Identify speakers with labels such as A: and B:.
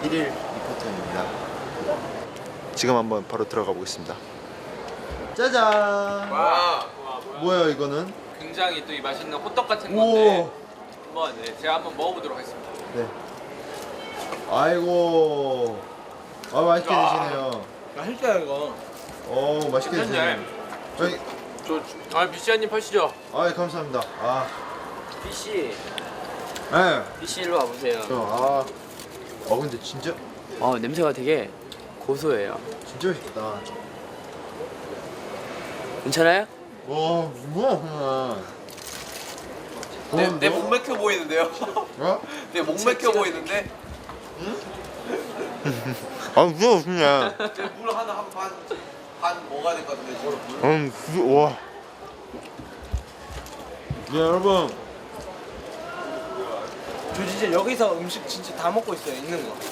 A: 1일 리포터입니다. 지금 한번 바로 들어가 보겠습니다. 짜잔.
B: 와,
A: 뭐야 이거는?
B: 굉장히 또 이 맛있는 호떡 같은
A: 오.
B: 건데 한번 제가 한번 먹어보도록 하겠습니다.
A: 네. 아이고. 아 맛있게
B: 야.
A: 드시네요.
C: 맛있다 이거.
A: 오 맛있게 드시네요.
B: 괜찮네.
A: 저희
B: 비시아님 파시죠.
A: 감사합니다.
D: BC,
A: 네.
D: BC 일로 와보세요.
A: 근데 진짜
D: 냄새가 되게 고소해요.
A: 진짜 맛있다.
D: 괜찮아요?
A: 와 뭐야 그냥.
C: 내 목 맥혀 보이는데요?
A: 어?
C: 내 목 맥혀 보이는데?
A: 뭐야 그냥.
C: 물 하나 반 먹어야 될 것 같은데 지금.
A: 와. 네 여러분.
C: 저 진짜 여기서 음식 진짜 다 먹고 있어요. 있는 거.